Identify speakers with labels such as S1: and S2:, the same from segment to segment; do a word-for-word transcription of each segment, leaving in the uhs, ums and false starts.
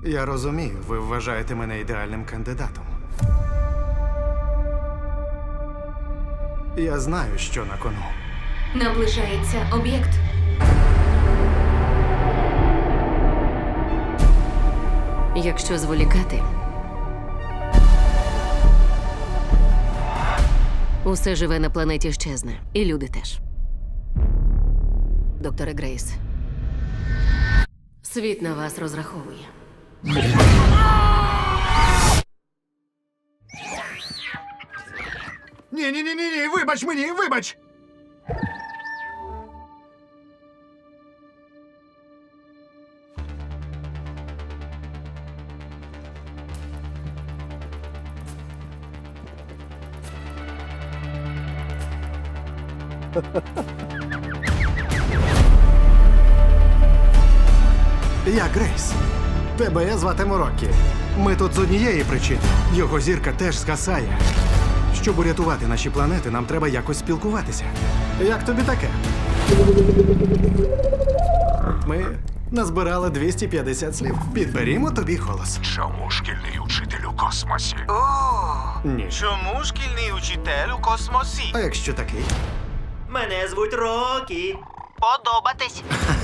S1: Я розумію, ви вважаєте мене ідеальним кандидатом. Я знаю, що на кону.
S2: Наближається об'єкт.
S3: Якщо зволікати, усе живе на планеті щезне. І люди теж. Докторе Грейс, світ на вас розраховує.
S1: Ні-ні-ні-ні, вибач мені, вибач! Я Грейс. Тебе я зватиму Роккі. Ми тут з однієї причини. Його зірка теж згасає. Щоб урятувати наші планети, нам треба якось спілкуватися. Як тобі таке? Ми назбирали двісті п'ятдесят слів. Підберімо тобі голос.
S4: Чому шкільний учитель у космосі?
S5: О,
S1: Ні.
S5: чому шкільний учитель у космосі?
S1: А якщо такий?
S5: Мене звуть Рокі. Подобатись.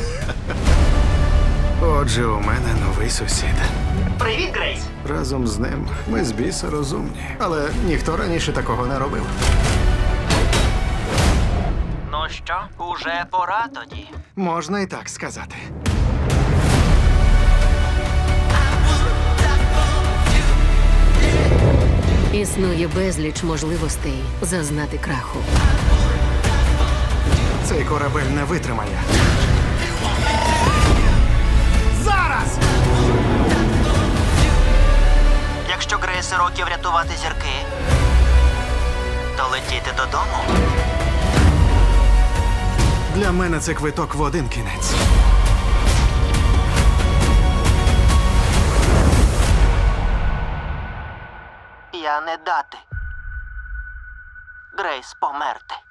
S1: Отже, у мене новий сусід.
S5: Привіт, Грейс.
S1: Разом з ним ми з біса розумні. Але ніхто раніше такого не робив.
S5: Ну що, уже пора тоді.
S1: Можна і так сказати.
S3: Існує безліч можливостей зазнати краху.
S1: Цей корабель не витримає. Зараз!
S5: Якщо Грейс і Рокі врятувати зірки, то летіти додому.
S1: Для мене це квиток в один кінець.
S5: Я не дати. Грейс померти.